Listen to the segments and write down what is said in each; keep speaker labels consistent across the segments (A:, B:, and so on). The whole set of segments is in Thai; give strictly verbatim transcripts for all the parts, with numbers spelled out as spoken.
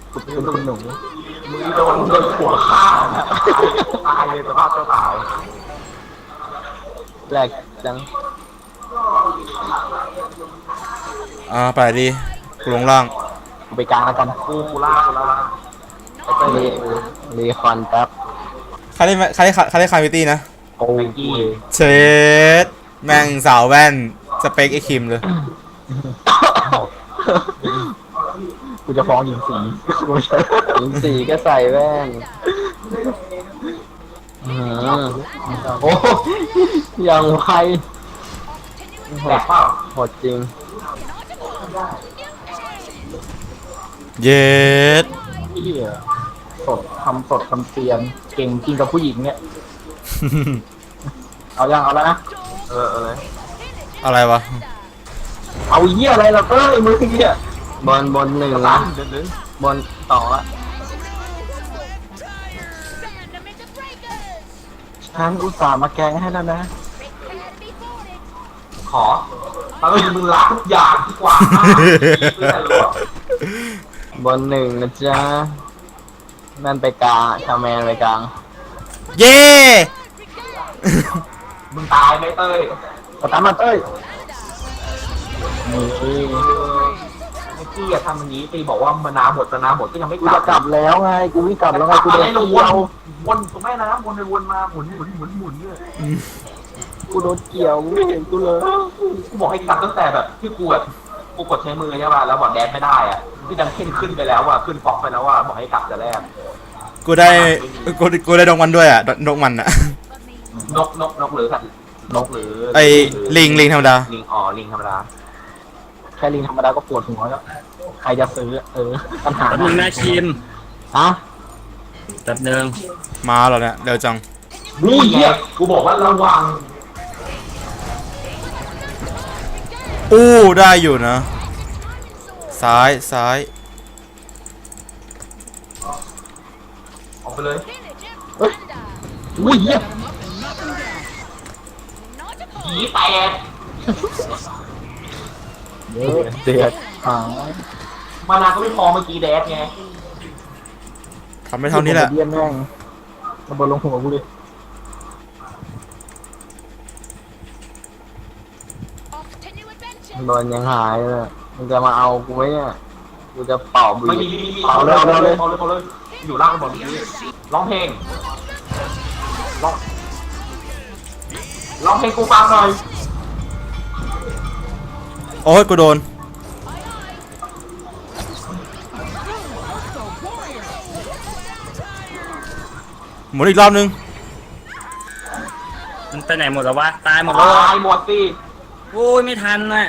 A: กูเป็นคุณหนู
B: มึงโดนโดนหัวฆ่าตายเลยสภาพเจ้าสาว
A: แรกจัง
C: อ่าไปดิกูลงล่าง
A: กูไปกลางแล้วกัน
B: กูกูล่ากูล่า
A: รีรีคอนแป๊บ
C: ใครได้ใครได้ใครได้คาร์วิตี้นะ
A: โอ้ย
C: เชดแม่งสาวแว่นสเปคไอคิมเลย
A: กูจะฟ้องหญิงสีหญิงสีก็ใส่แว่นอืมโอ้ยังไวโห
B: แต
A: ด
B: กเปล่า
A: โหดจริง
C: เย็ด
A: เหี้ยสดทำสดทำเซียนเก่งจริงกับผู้หญิงเนี่ย เอายังเอาแล้วนะ
B: เออเออเลย
C: อะไรวะ
A: เอาเหี้ยอะไรล่ะเอ้ยมึงเนี่ยบอลบอลหนึ่ง
B: ตั
A: นะ
B: นเดินเดิน
A: บอลต่ออะฉันอุตส่าห์มาแกงให้แล้วนะ
B: ขอถ้าไม่มึงล้างทุกอย่างดีกว่า
A: บอลหนึ่งนะจ๊ะนั่นไปกลางชาแมนไปกลาง
C: เย่
B: มึงตายไหมเต้ย
A: สตาร์ทมาเต้ยนี่
B: ไอ้กี้อะทำอย่างนี้ตีบอกว่ามานาหมดมานาหมดก็ยังไม่
A: กู
B: กลั
A: จะ
B: บ
A: กลับแล้วไงกูวิ่งกลับแล้วไงกู
B: อะ
A: โด
B: ไร
A: น
B: เราว
A: เกี่
B: น
A: ยว
B: วนตรงแม่น้ำวนไปวนมาหมุนหมุนหมุนหมุนหมุนหมุนเนี่ย
A: กูโดนเกี่ยวกูไม่เห็นกูเลย
B: กูบอกให้กลับตั้งแต่แบบที่กูแบบกูกดใช้มือใช่ป่ะแล้วบอกแดนไม่ได้อ่ะที่ดังขึ้นขึ้นไปแล้วอ่ะขึ้นฟอกไปแล้วว่าบอกให้กลับแต่แรก
C: กูได้กูกูได้ดงมันด้วยอ่ะดงมันอ่ะ
B: นกนกนกหรือสัตว์นกหรือ
C: ไอ้ลิงลิงธรรมดา
B: ลิงอ๋อลิงธรรมดา
A: แค่ลิงธรรมดาก็ปวดหัวแล้วใครจะซื้อเออปัญหา
D: แป๊บนึงนะคิม
A: ฮะ
D: แป๊บนึง
C: มาเหรอเนี่ยเร็วจัง
B: นี่ไงกูบอกว่าระวัง
C: อู้ได้อยู่นะ ซ้ายซ้าย
B: ออกไปเลย
A: เฮ้ยอุ้ยเหี้ย
B: ผีแตก
A: เดือดเดือดอ่า
B: มานาก็ไม่พอเมื่อกี้แดดไง
C: ทำไม่เท่านี้แหละ
A: เบี้ยแม่งระเบิดลงหัวกูเลย โดนยังหายเลยมึงจะมาเอากูไหมเนี่ยกูจะเป่าบุห
B: ไม่
A: รี่
B: มีมีมี
A: เป่าเลย
B: เอา
A: เอา
B: เล
A: เลย ย
B: เอาเลยเอาเลยอยู่ล่างกันหมดนี้ร้องเพลงร้องร้องเพลงกูฟังหน่อย
C: โอ้ยกูโดนหมุนอีกรอบนึง
D: มันไปไหนหมดแล้ววะ ตายหมดแล้ว
B: ตายหมดสิ
D: โอ้ยไม่ทันน่ะ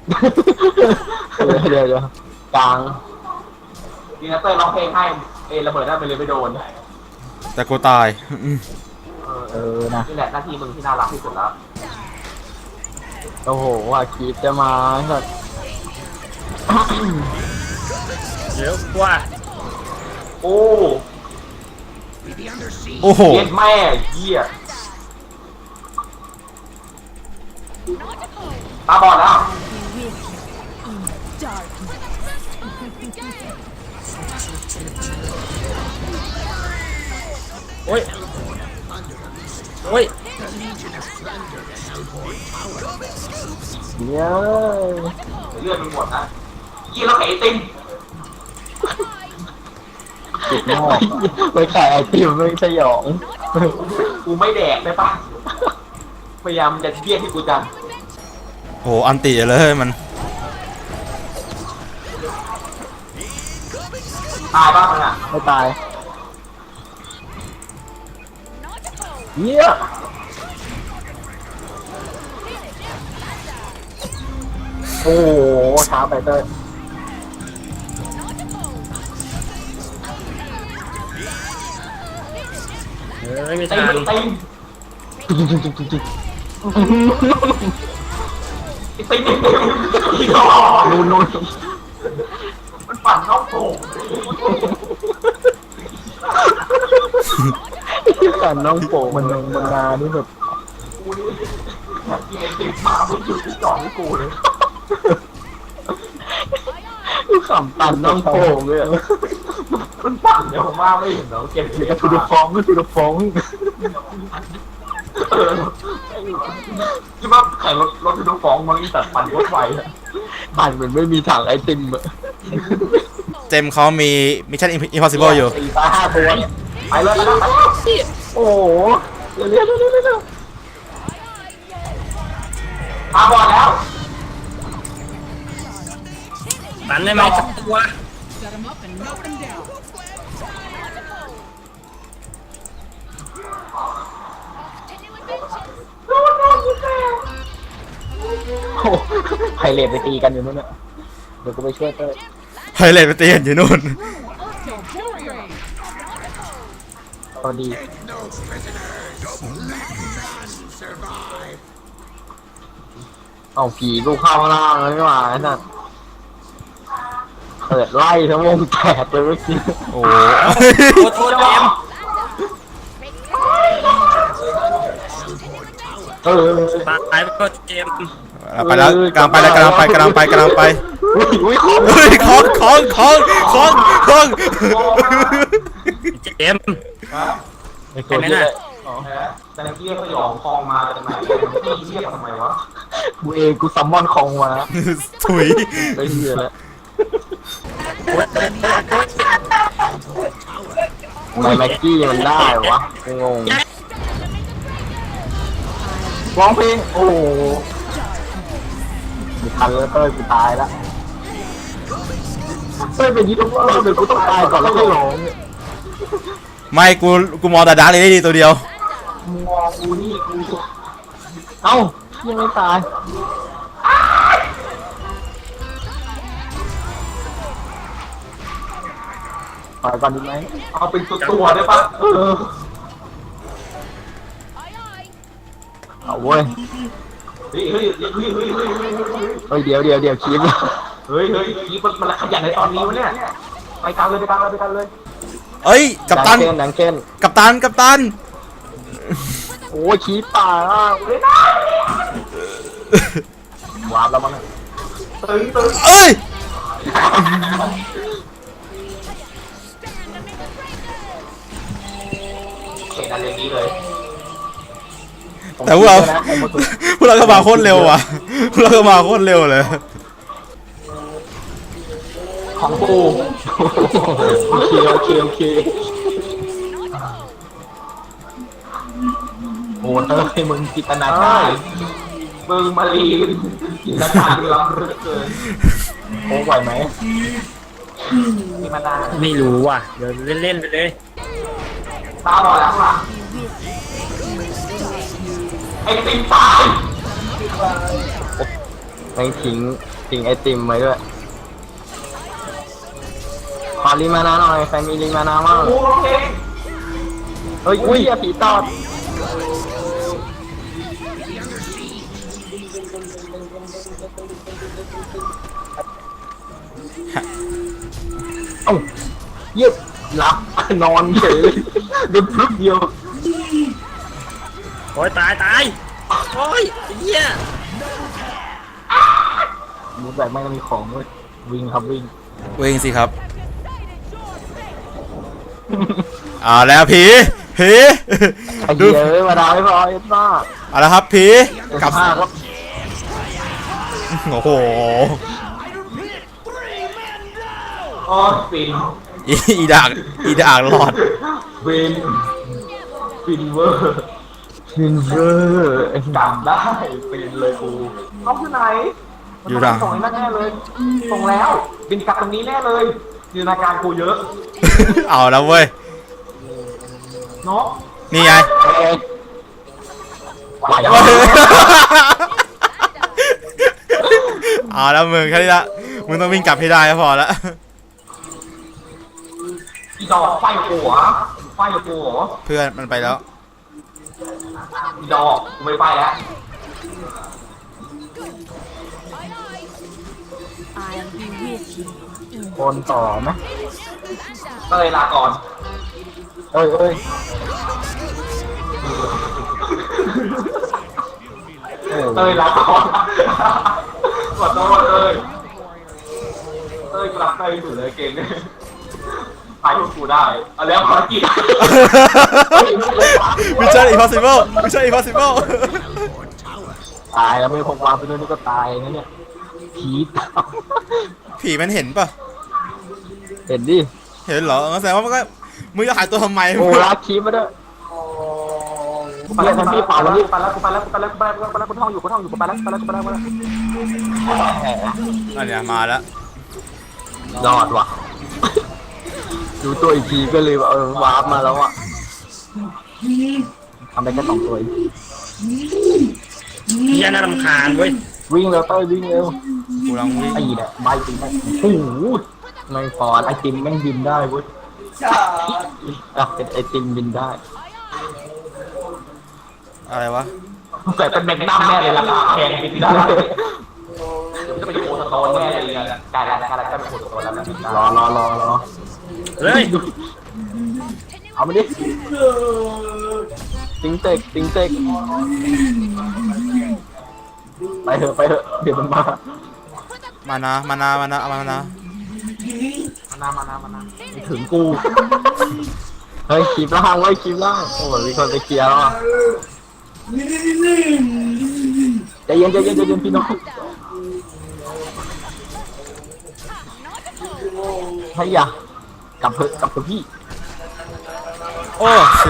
A: เดี๋ยวเดี๋ยวกลาง
B: ดีนะเต้ยร้องเพลงให้เอระเบิดได้ไปเลยไม่โดน
C: แต่กูตาย
B: เออ
A: เออนะ
B: นี่แหละหน้าที่มึงที่น่ารักที่สุดแล้ว
A: โอ้โหว่าคีบจะมาสัตว์
D: เดี๋ยวว่า
B: โอ้
C: โอ้โห
B: เย็ดแม่เหี้ยตาบอดแล้ว
D: โอ้ย โอ้ย
A: เดี๋ยว
B: เลือดมันหมดนะยี่แล้วไข่ไอติม
A: ติดหม้อไปขายไอติมไม่สยอง
B: กูไม่แดกได้ปะพยายามจะเบี้ยที่กูจัง
C: โหอันติเลยมัน
B: ตายบ้างมันอ่ะ
A: ไม่ตายเยี่ยโอ้โหช้าไปเต้ย
D: เฮ้ยไม่
B: ติ
D: ทั
B: ม
D: น
B: ติมไอติมไอติมอีกแล้ว
A: นู่นนู่น
B: มันปั่นนอกโถง
A: กันน้องโป่งมันมันนานี่แบบ
B: กูนี่กินไอติมมาไม่หยุดที่จ่อให้กูเลย
A: ขำตันน้องโป่งเลยอะ
B: มันปั่นเดี๋ยวผมว่าไม่เห็นเนาะเกม
A: เดี๋ยวก็ทูดฟองก็ทูดฟอง
B: เออคิดว่าแข่งรถรถทุกฟ้องมันอีสัตว์ปั่นรถไฟอะ
A: บ้านเหมือนไม่มีถังไอติมอะ
C: เจมส์เขามี Mission Impossible อยู่
A: สี่ตาห้าตัวเนี่ย
B: ไปเลยไปเลยไปเลย
A: โอ้โหเร็วเร็วเร็วเร็วเร็ว
B: มาบอลแล้ว
D: ตันได้ไหมสักตัว
A: โอ้ไพเรตไปตีกันอยู่นู่นน่ะเดี๋ยวกูไปช่วยเต้ย
C: ไฮเลตไปเตียนอยู่นู่น
A: พอดีเอาผีกูเข้าล่างเลยนี่หว่าไอ้นั่นเปิดไล่ทั้งวงแตกเลยเมื่อกี้
C: โอ้
D: โทษโทษเจมส์
A: เออ
D: ตายไปก็เจมส์
C: ไปแล้วกำลังไปแล้วกำลังไปกำลังไปกำลังไป
A: อุ้ยอุ้ยของ
C: เฮ้ยของของของของของ
D: เจมส์
A: ไอ้ตัวนี้เลย
B: แต่เรียกสยองคลองมาจากไหนพี่เรียกทำไมวะ
A: กูเองกูซัมมอนคองมา
C: ถุย
A: ไอ้เหี้ยแล้วทำไมแม็กกี้มันได้วะกูงงร้องเพลงโอ้โหมีทันแล้วเต้ยกูตายแล้วเต้ยเป็นยี่ห้อเดี๋ยวกูต้องตายก่อนแล้วค่อยร้องเนี่ย
C: ไม่กูกูมองแต่ดาร์กเลยได้ดีตัวเดียว
B: มองกูนี่กู
A: เอ้ายังไม่ตายปล่อยก่อนดีไหม
B: เอาเป็นตัวตัวได้ปะเออ
A: เอาเว้ย
B: เฮ้ยเฮ้ยเฮ้ยเฮ้ยเฮ้ยเฮ้ยเฮ้ย
A: เฮ้ยเดี๋ยวเดี๋ยวเดี๋ยวคลิป
B: เฮ้ยเฮ้ยคีมันมันขยันในตอนนี้วะเนี่ยไปกันเลยไปกันเลยไปกันเลย
C: เอ้ยกัปตัน
A: ดังเช่นดังเช่น
C: กัปตันกัปตัน
A: โอ้ยชี้ป่าอ่ะเว้ย วาร์ปแล้วมั้ง
B: ตึงตึง
C: เอ้ย
B: เห็นอะไรนี้เลย
C: แต่พวกเราพวกเราก็มาโคตรเร็วว่ะพวกเราก็มาโคตรเร็วเลย
A: ของกูโอเคโอเคโอเคโอ้เต้ยมึงจินตนาการ
B: มึงมาลีนกินการล้ำลึกเกิน
A: โอ้ไหวไหม
B: มีมานาน
D: ไม่รู้ว่ะเดี๋ยวเล่นๆไปเลย
B: ตาบอดแล้วข้างหลังไอ้ติ๊กตาย
A: ไม่ทิ้งทิ้งไอติมไว้ด้วยขอลิมานาหน่อยใครมีลิมานามั่ง
B: โอ้เพลง
A: เฮ้ยอุ้ยผีตอดเอ้าเยียบหลับนอนเฉยเดินพรึบเดียว
D: โอ้ยตายตายโอ้ยไอ้เหี้ย
A: มูแบบไม่มีของด้วยวิ่งครับวิ่ง
C: วิ่งสิครับเอ่าแล้วผีผี
A: ไอ้
C: ดู
A: เหี้ยเอ้ยมาดาวไม่พอเอ็ดบ้า
C: เอาละครับผีกลับ
A: ห้าครับ
C: โอ้โห
B: โอ้ฟิน
C: อีอีดากอีดากหลอด
B: ฟินฟินเวอร์
A: ฟินเวอร์
B: กลับได้ฟินเลยกูน้องที่ไหน
C: อยู่ดัง
B: ส่งให้แน่เลยส่งแล้วบินกลับตรงนี้แน่เลยจินตนาการกูเยอะ
C: เอาแล้วเว้ย
B: เนาะ
C: นี่ไง
A: เอ้ยไหว
C: เอาแล้วมึงแค่นี้ละมึงต้องวิ่งกลับให้ได้ก็พอละ
B: อีดอกไฟหัวไฟหัว
C: เพื่อนมันไปแล้ว
B: อีดอกกูไม่ไปแล้ว
E: I'll be with you.
A: โอนต่อไหม
B: ก็เลยลาก่อน
A: เอ้ยเอ้ยเออ
B: เต้ยลาก่อนขอโทษเต้ยเต้ยกลับเต้ยสุดเลยเก่งตายพวกกูได้เอาแล้วภารกิจ
C: มิชชั่น impossible มิชชั่น impossible
A: ตายแล้วไม่พกวางไปด้วยนี่ก็ตายนะเนี่ยผีตาม
C: ผีมันเห็นปะ
A: เห็นดิ
C: เห็นเหรอแสดงว่ามันก็มึงจะหายตัวทำไม
A: โอ้ลากคีบมาด้วย
B: กูไปแล้วพี่เป่าแล้วกูไปแล้วกูไปแล้วกูไปแล้วกูไปแล้วกูไปแล้วกูท่องอยู่กูท่องอยู่กูไปแล้วกูไปแล้วกูไปแล้วกูไปแล้ว
A: แหม
C: อันเนี้ยมาแล้ว
A: รอดว่ะดูตัวอีกทีก็เลยว่าเออวาร์ปมาแล้วอ่ะทำได้แค่สองตัวเอง
D: เฮียน่ารำคาญเว้ย
A: วิ่งเร็วเต้ยวิ่งเร็ว
C: กูกำลังวิ่ง
A: ไอ้เนี่ยใบติมโอ้โหไม่พอไอติมแม่งบินได้เว้ยอ่ะเป็นไอติมบินได้
C: อะไรวะ
B: แต่เป็นแมกนัมแน่เลยราคาแพงบินได้จะไปโคตรโตแน่เลยกลายแล้วกลายแล้วจะเป็นโคตรโตแล้ว
A: รอรอรอรอ
D: เฮ้ย
A: เอามาดิติงเตกติงเตกไปเถอะไปเถอะเดี๋ยวมันมา
C: มานะมานะมานะเอามานะ
B: มานามานามานา
A: ไม่ถึงกูเฮ้ยคีบล่างไว้คีบล่างโอ้ยมีคนไปเคลียร์แล้วอ่ะใจเย็นใจเย็นใจเย็นพี่น้องให้ยากลับเถอะกลับเถอะพี่
C: โอ้ชิ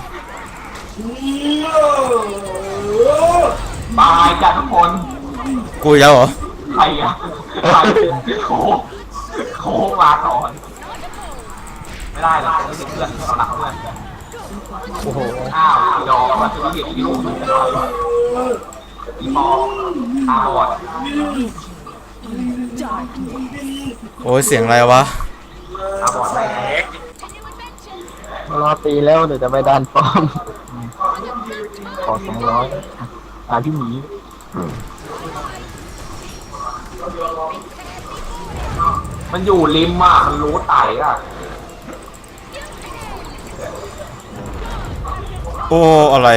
B: ตายกันทุกคน
C: กูอีกแล้วเหรอ
B: ใครอ่ะใครโคโคมาก่อนไม่ได้หรอกไม่ใช่เพื่อนเราหลักเพื่อน
A: โอ้โห
B: อ้าวยอมมาถึงเหตุที่ลูกมันจะตายอีมอตาบอด
C: โอ้ยเสียงอะไรวะ
B: ตาบอดแรง
A: รอตีแล้วเดี๋ยวจะไปดันป้อมขอสองร้อยตาพี่หมี
B: มันอยู่ริมอ่ะมันรู้ไต่อ่ะ
C: โอ้อะไร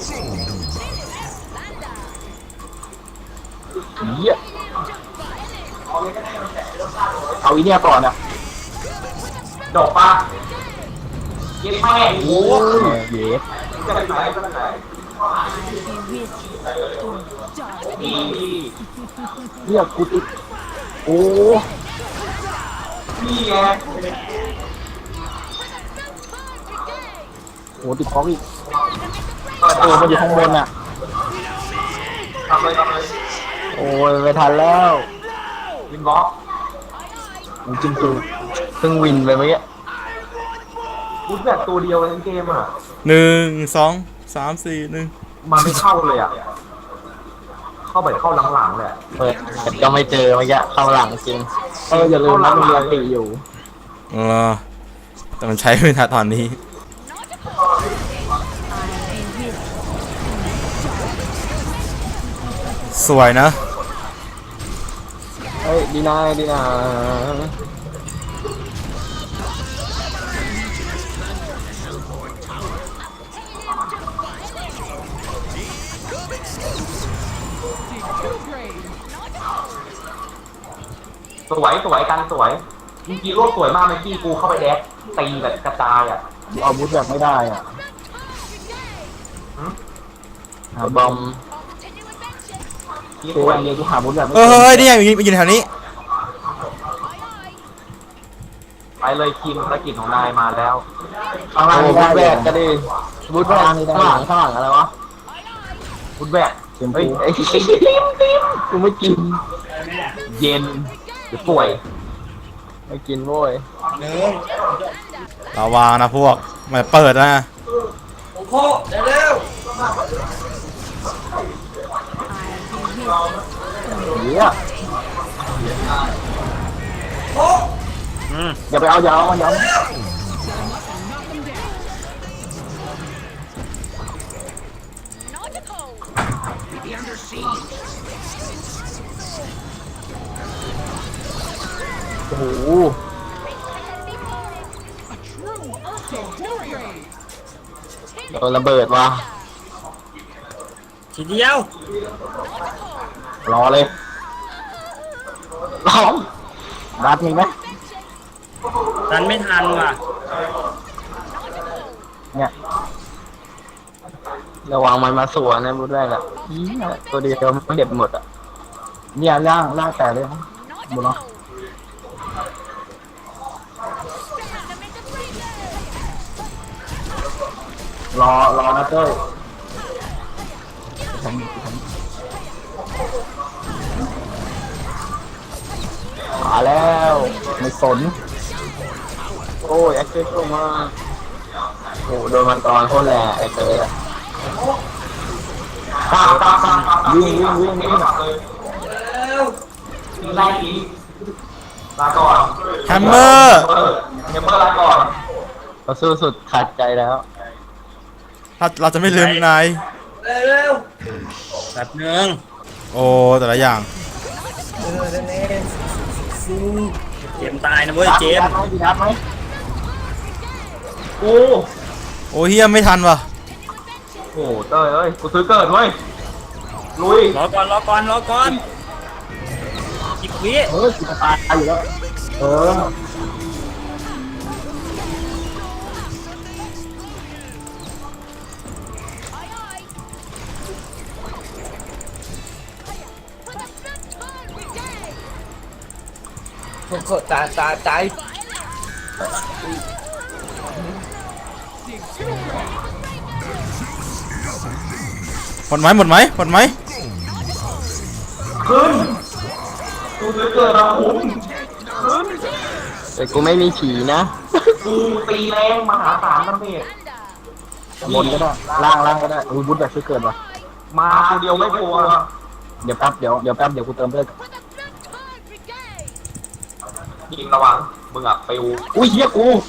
A: เหี้ยเอาอีเนี่ยก่อนอ่ะ
B: ดอกปะเย็นแม่งโอ้
A: โอ้
B: ย
A: ยเย็บ
B: จะไปไหนจะไปไหน
E: Be with you.
B: นี่
A: เรียกกูติดโอ้
B: นี่ไง
A: โหติดคอกอีกโอ้มันอยู่ข้างบนอ่ะ
B: ทำเลยทำเลย
A: โอ้ยไม่ทันแล้ว
B: วินบล็อก
A: ผมจิ้มตูเพิ่งวินไปเมื่อกี้
B: บูทแบบตัวเดียวทั้งเกมอ่ะ
C: หนึ่งสองสามสี่หนึ่ง
B: มันไม่เข้าเลยอ่ะเข้าไปเข้าหลังๆเลย
A: เปิดก็ไม่เจอเมื่อกี้เข้าหลังจริงเอออย่าลืมนะมันเรียนตีอยู่
C: เออแต่มันใช้ไม่ทันตอนนี้ สวยนะ
A: เฮ้ยดีนายดีนา
B: สวยสวยกันสวยจริงๆโลกสวยมากเมื่อกี้กูเข้าไปแดกตีแบบกระจายอ่ะ
A: เอาบุธแบบไม่ได้อ่ะหาบอม
B: ที่
A: คือ
B: สว
A: วั
B: ย
A: นเดียวที่หาบุธแบบไม่
C: เออเฮ้ยนี่ไงมันอยู่แถวนี้
B: ไปเลยคิมภารกิจของนายมาแล้ว
A: ข้างล่างบุธแบกก็ดีบุธแบกข้างหลังข้างหลังอะไรวะ
B: บุญแบก
A: เฮ้ยไอ้ติมติมกูไม่กิน
B: เย็นหรือป่วย
A: ไม่กินโว้ย
C: ระวังนะพวกมันเปิดนะ
A: เหี้ยอย่าไปเอาอย่าเอามันอย่าเอาโอ้โหโดนระเบิดว่ะ
D: ทีเดียว
A: รอเลยรอรัดมีไหม
D: ทันไม่ทันว่ะ
A: เนี่ยระวังมันมาสวนนะพูดได้แหละอี๋ตัวเดียวมันเด็ดหมดอ่ะเนี่ยล่างล่างแต่เลยนะบุญเนาะรอรอนะเต้ยมาแล้วไม่สนโอ้ยแอคเซสเข้ามาโอ้โดนมันตอนโคตรแรงไอ้เต้ยอะ
B: ตามตามตามตาม
A: วิ่งวิ่งวิ่งวิ่ง
B: เลยไล่ทีลาก่อน
C: แฮมเมอร์
B: เออแฮมเมอร์ลาก่อน
A: เราสู้สุดขาดใจแล้ว
C: เราเราจะไม่ลืมนาย
D: แบบหนึ่ง
C: โอ้แต่ละอย่าง
D: เจมส์ตายนะเว้ยเจมส์
A: ดีนัดไหม
B: กู
C: โอ้เฮียไม่ทันว่ะ
B: โอ้เต้ยเอ้ยกูซื้อเกิดเว้ยลุย
D: รอก่อนรอก่อนรอก่อนอีกวิ
A: เออกูจะตายอยู่แล้วเออ
F: ตาตาใจ
C: หมดไหมหมดไหมหมดไหม
B: ขึ้นกูซื้อเกิดมาคุ้ม
A: แต่กูไม่มีผีนะ
B: กูตีแรงมหาศาลนั่นเอง
A: บนก็ได้ล่างล่างก็ได้อุ้ยบุญแบบช่วยเกิดว่ะ
B: มาคนเดียวไม่กลัว
A: เดี๋ยวแป๊บเดี๋ยวเดี๋ยวแป๊บเดี๋ยวกูเติมเลือด
B: ยิงระวังมึงอ่ะปิว
A: อุ้ยเฮียกู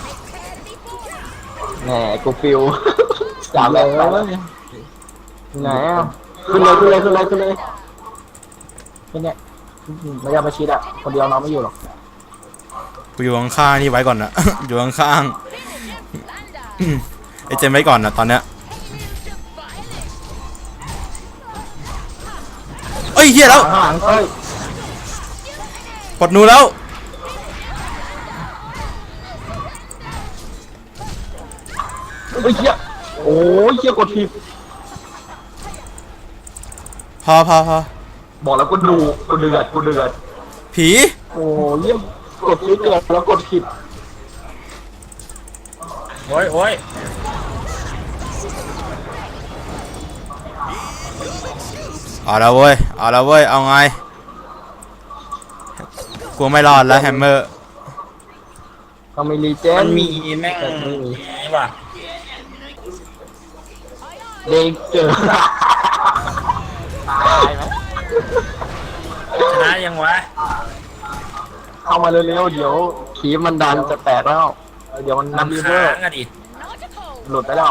A: แหมกูฟิวสามเลยไหนอ่ะขึ้นเลยขึ้นเลยขึ้นเลยขึ้นเลยขึ้นเนี่ยไม่ยอมมาชิดอ่ะคนเดียวน้องไม่อยู่หรอก
C: กูอยู่ข้างๆนี่ไว้ก่อนนะ อยู่ข้างๆ อืมไอ้เจมส์ไว้ก่อนนะตอนเนี้ยเอ้ยเฮียแล้ว
A: ข้างหลังเอ้ย
C: ปลดหนูแล้ว
A: เฮ้ยเฮียโอ้ยเฮียกดผิด
C: พอพอพอ
B: บอกแล้วกูดูกูเดือดกูเดือด
C: ผี
A: โอ้ยเฮียกดผิดเกิดแล้วกดผิด
D: โอ้ยโอ้ย
C: เอาแล้วเว้ยเอาแล้วเว้ยเอาไงกูไม่รอดแล้วแฮมเมอร์
A: ต้องมีรีเจ
D: มัน นมีแม่ง
A: ไม่มี
D: นี่ว่ะ
A: เด็กเจอ
B: ตายไหม
D: ชนะยังวะ
A: เข้ามาเร็วๆเดี๋ยวขีมันดันจะแตกแล้วเดี๋ยวมันนำรี
D: น้ำ
A: เวอ
D: ค้า
A: ร์
D: งอะดิ
A: หลุดไปแล้ว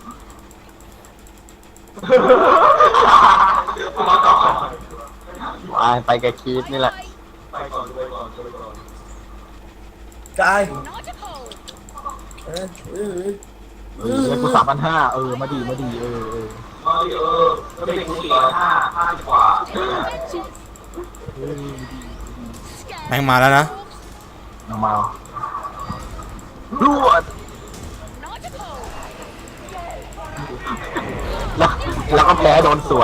B: มาก่อน
A: ไปไปกับคีฟนี่แหละ
B: ไปก่อนไปก่อนไปก่อน
F: ใจ
A: เออเดี๋ยวกูสามพันห้าเออมาดีมาดีเออเออ
B: เออเออก็เป็นกูสี่ร้อยห้าห้าสิบกว่า
C: แม่งมาแล้วนะ
A: น้องมารวดแล้วแล้วก็แพ้โดนสวน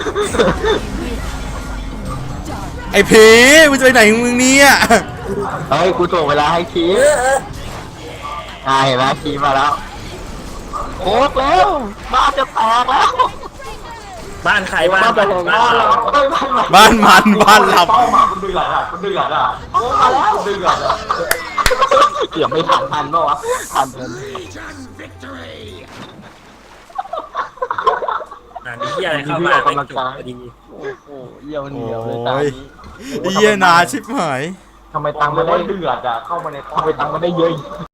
C: ไอ้ผีมึงจะไปไหนของมึงเนี่ย
A: เฮ้ยกูถ่วงเวลาให้คีฟอ่าเห็นไหมคีฟมาแล้วโคกแล้วบ้านจะแตกแล้ว
D: บ้านใครบ้าน
A: บ้านจะ
D: บ้าน
A: แตกแล้ว
D: เรา
A: เฮ้ยบ้านมัน
C: บ้านมันบ้านหลับ
B: เป้าหมายคุณเดือดอ่ะคุณเดือดอ่ะโอ้มาแล้วคุณเดือดอ่ะ
A: เกือบไม่ทันทันปะวะทันเกิน
D: อ่ามีที่อะไรเข้ามาไม่จบพอดี
A: โอ้โหเยี่ยวเห
C: โอ้
A: นียวเลยตาย นี้
C: เฮียนาชิบหาย
A: ทำไมตังค์ไม่ได้
B: เดือดอ่ะเข้ามาใน
A: ทำไมตังค์ไม่ได้เยอะ